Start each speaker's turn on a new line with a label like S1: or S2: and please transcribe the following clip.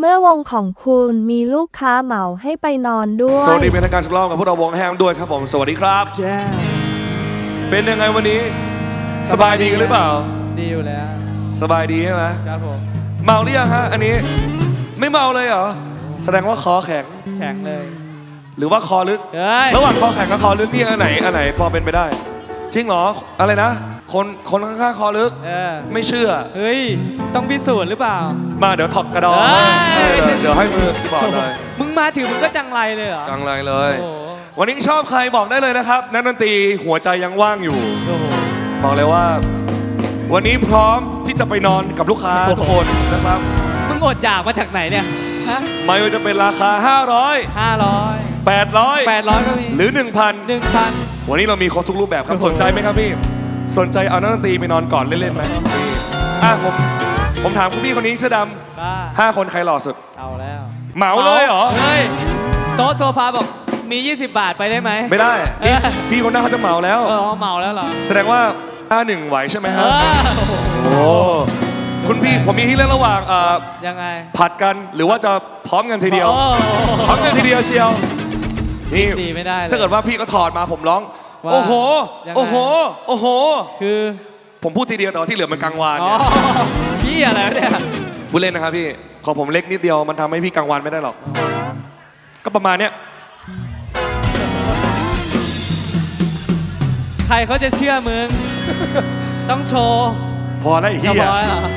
S1: เมื่อวงของคุณมีลูกค้าเหมาให้ไปนอนด้วย
S2: สวัสดีเป็นทางการสักรอบกับพวกเราวงแฮมด้วยครับผมสวัสดีครับเป็นยังไงวันนี้สบายดีกันหรือเปล่า
S3: ดีอยู่แล้ว
S2: สบายดีใช่ไหม
S3: ครับผม
S2: เมาหรือยังฮะอันนี้ไม่เมาเลยเหรอแสดงว่าคอแข็ง
S3: เลย
S2: หรือว่าคอลึกระหว่างคอแข็งกับคอลึกนี่อันไหนพอเป็นไปได้จริงเหรออะไรนะคนข้างๆคอลึกไม่เชื่อ
S3: เฮ้ยต้องพิสูจน์หรือเปล่า
S2: มาเดี๋ยวถอดกระดองเดี๋ยวให้มือคีย์บอร์ดเลย
S3: มึงมาถึงมึงก็จังไรเลยเหรอ
S2: จังไรเลยวันนี้ชอบใครบอกได้เลยนะครับนักดนตรีหัวใจยังว่างอยู่บอกเลยว่าวันนี้พร้อมที่จะไปนอนกับลูกค้าทุกคนนะครับ
S3: มึงอดอยากมาจากไหนเนี่ย
S2: ไม่ว่าจะเป็นราคา500 800
S3: ก็มี
S2: หรือ 1,000 วันนี้เรามีครบทุกรูปแบบครับสนใจไหมครับพี่สนใจเอานักดนตรีไปนอนก่อนเล่นๆไหมผมถามคุณพี่คนนี้เสื้อดำ5 คนใครหล่อสุด
S3: เอาแล้ว
S2: เหมาเลยเหรอ
S3: เฮ้ยโต๊ะโซฟาบอกมี20 บาทไปได้ไหม
S2: ไม่ได้พี่คนหน้าเขาจะเหมาแล้ว
S3: เหมาแล้วเหรอ
S2: แสดงว่า51ไหวใช่ไหมครับโอ้คุณพี่ผมมีที่เลือกระหว่าง
S3: ยังไง
S2: ผัดกันหรือว่าจะพร้อมกันทีเดียวพร้อมกันทีเดียวเชียวนี่
S3: ไม่ได้
S2: ถ้าเกิดว่าพี่ก็ถอดมาผมร้องโอ้โหโอ้โหโอ้โห
S3: คือ
S2: ผมพูดทีเดียวแต่ว่าที่เหลือมันกลางวาน
S3: พี่อะไรเนี่ย
S2: พูดเล่นนะครับพี่ขอผมเล็กนิดเดียวมันทำให้พี่กลางวันไม่ได้หรอกก็ประมาณเนี้ย
S3: ใครเขาจะเชื่อมึงต้องโชว์
S2: พอแล้วไอ้เหี้ย